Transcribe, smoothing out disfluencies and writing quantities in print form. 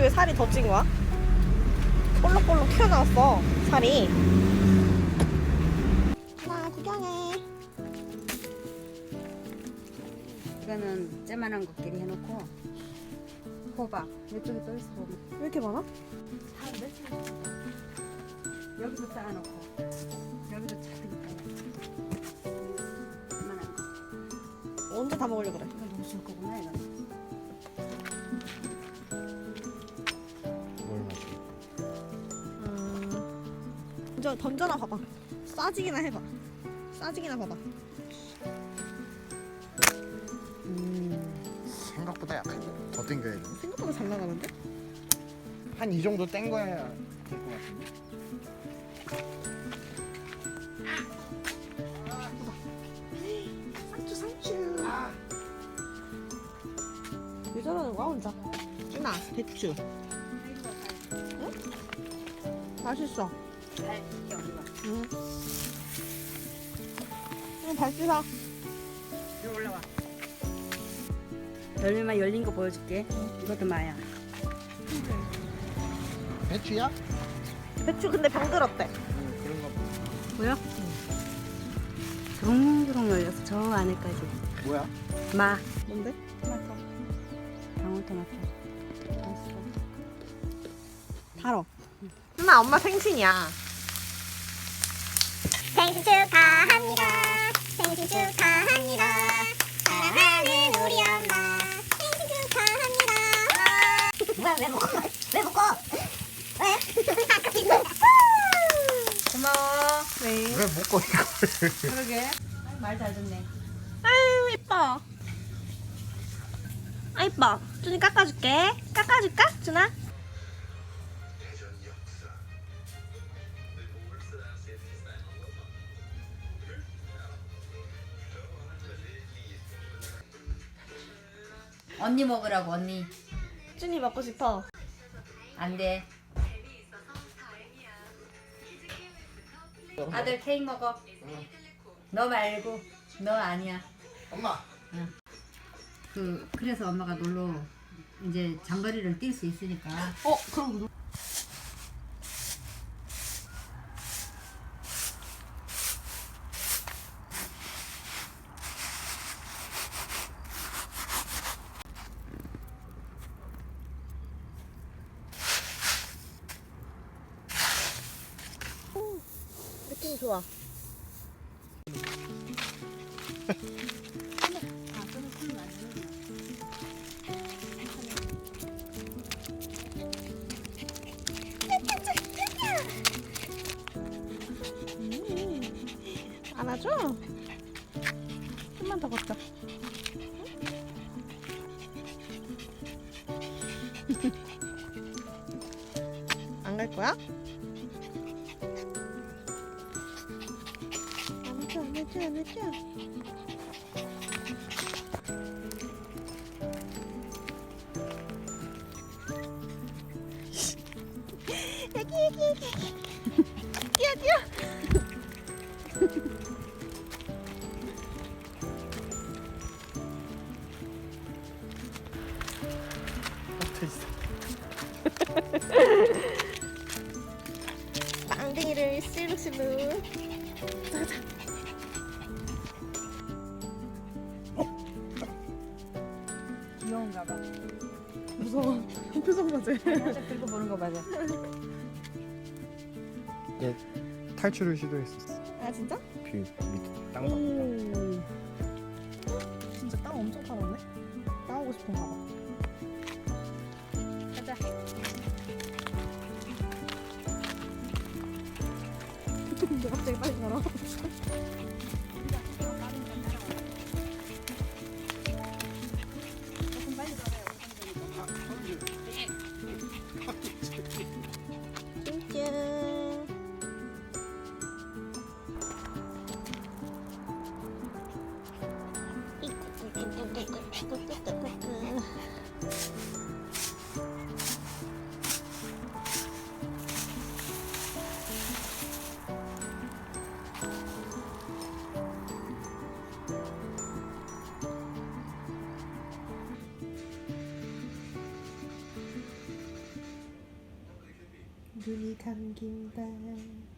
왜 살이 더 찐 거야? 볼록볼록 튀어나왔어 살이. 하나 구경해. 이거는 쬐만한 것끼리 해놓고 호박 이쪽에 또 있어. 보면 왜 이렇게 많아? 여기도 쌓아놓고 여기도 작은 거 쬐만한 거. 언제 다 먹으려고 그래? 이거 너무 줄 거구나. 이거 뭘 마시? 던져나 봐봐. 싸지기나 해봐. 싸지기나 봐봐. 생각보다 약하게 더 땡겨야 돼. 생각보다 잘 나가는데? 한 이 정도 땡겨야 될 것 같은데. 상추. 왜 저러는 거야 혼자? 준아 배추. 응? 맛있어. 잘 익혀 우리가. 응. 그럼 발 씻어. 여기 올라와. 열매만 열린 거 보여줄게. 이것도 마야. 배추야? 배추 근데 병들었대. 그런 거 보여? 주렁주렁 열려서 저 안에까지. 뭐야? 마. 뭔데? 토마토. 방울토마토. 맛있어. 달어. 준아 엄마 생신이야. 생신 축하합니다. 생신 축하합니다. 사랑하는 우리 엄마. 생신 축하합니다. 뭐야 왜 먹어? 왜 먹어? 왜? 고마워. 네. 왜 먹고 이걸? 그러게. 말 잘 듣네. 아유 이뻐. 아 이뻐. 준이 깎아줄게. 깎아줄까? 준아? 언니 먹으라고 언니. 준이 먹고 싶어. 안 돼. 아들 케이크 먹어. 너 말고. 너 아니야. 엄마. 그래서 엄마가 놀러 이제 장거리를 뛸 수 있으니까. 그럼 느낌 좋아. 안아줘? 좀만 더 걷자. 안 갈 거야? 안아줘. 애기. 뛰어. 붙어 있어. 빵댕이를 실룩실룩. 가자. 귀여운가 봐. 무서워. 표정 봐지. 들고 보는 거 맞아. 얘 탈출을 시도했었어. 아 진짜? 그 밑에 땅 봐. 진짜 땅 엄청 파랗네. 나오고 싶은가 봐. 가자. 근데 갑자기 빨리 가라. 짠. 눈이 감긴다